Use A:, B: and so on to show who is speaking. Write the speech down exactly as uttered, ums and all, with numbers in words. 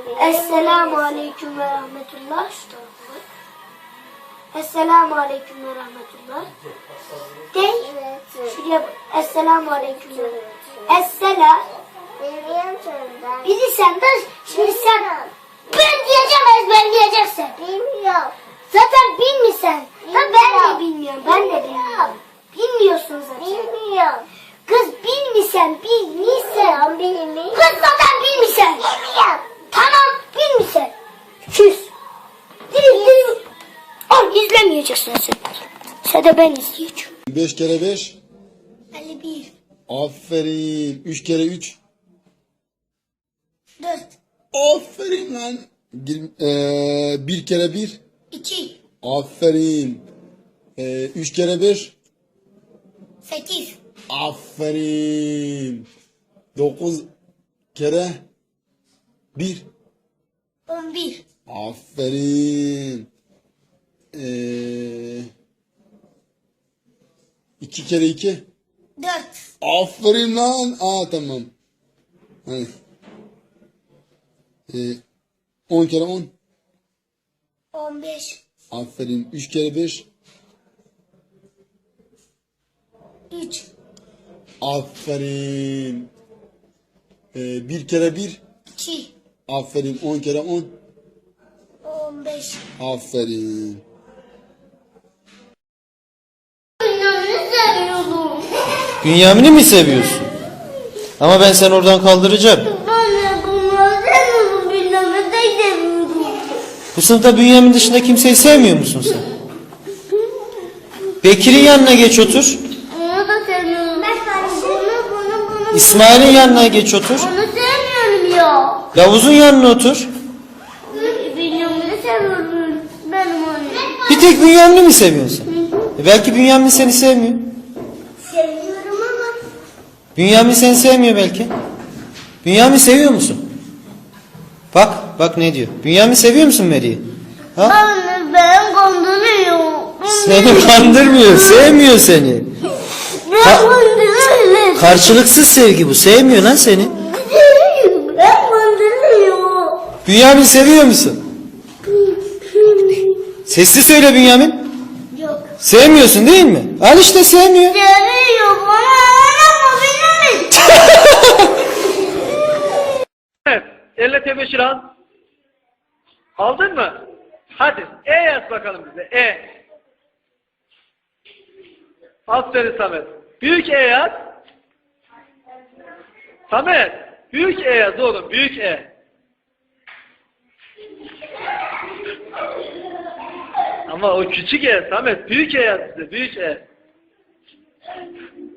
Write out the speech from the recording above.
A: Esselamu Aleyküm ve Rahmetullah. Esselamu Aleyküm ve Rahmetullah. Değil. Şuraya bak. Esselamu Aleyküm ve Rahmetullah. Esselam. Bilirsen de şimdi sen ben diyeceğim ezberleyeceksin.
B: Bilmiyorum.
A: Zaten bilmiyorsun. Da ben de bilmiyorum. Ben de bilmiyorum. Bilmiyorsun zaten.
B: Bilmiyorum.
A: Kız bilmiyorsun. Bilmiyorsun.
B: Bilmiyorum.
A: Kız zaten bilmiyorsun.
B: Bilmiyorum.
A: Tamam bilmiyorsun. Küs. Direkt direkt. Al izlemeyeceksin sen. Sen de ben izleyeceğim.
C: Beş kere beş.
A: elli bir.
C: Aferin. Üç kere üç.
A: dört.
C: Aferin lan. Gir- eee, bir kere bir.
A: iki.
C: Aferin. Eee, üç kere bir.
A: sekiz.
C: Aferin. Dokuz kere bir.
A: on bir.
C: Aferin. Eee, iki kere iki.
A: dört.
C: Aferin lan. Aa tamam. Hadi. Ee, on kere on.
A: on beş.
C: Aferin. Üç kere beş.
A: üç.
C: Aferin. Ee, bir kere bir.
A: iki.
C: Aferin. On kere on.
A: on beş.
C: Aferin.
A: Bünyamin'i seviyorum.
D: Bünyamin'i mi seviyorsun? Ama ben seni oradan kaldıracağım.
A: Anne bunları seviyorum. Bünyamin'i de seviyorum.
D: Bu sınıfta Bünyamin dışında kimseyi sevmiyor musun sen? Bekir'in yanına geç otur.
A: Onu da seviyorum. Bunu bunu bunu.
D: İsmail'in yanına geç otur.
A: Onu sevmiyorum ya.
D: Yavuz'un yanına otur.
A: Bünyamin'i seviyorum. Benim annem.
D: Bir tek Bünyamin'i mi seviyorsun sen? E belki Bünyamin seni sevmiyor.
A: Seviyorum ama.
D: Bünyamin seni sevmiyor belki. Bünyamin seviyor musun? Bak, bak ne diyor. Bünyamin seviyor musun Meri'yi? Ha?
A: Anne ben kandırıyor.
D: Seni kandırmıyor, sevmiyor seni.
A: Ben kandırıyor.
D: Karşılıksız sevgi bu, sevmiyor lan seni.
A: Ben kandırıyor.
D: Bünyamin seviyor musun? Sesli söyle Bünyamin.
A: Yok.
D: Sevmiyorsun değil mi? Al işte sevmiyor.
A: Seviyor bana ama benim.
E: Evet. Elle tebeşir al. Aldın mı? Hadi. E yaz bakalım bize. E. Aferin Samet. Büyük E yaz. Samet. Büyük E yaz oğlum. Büyük E. Ama o küçük E Samet. Büyük E yaz bize. Büyük E.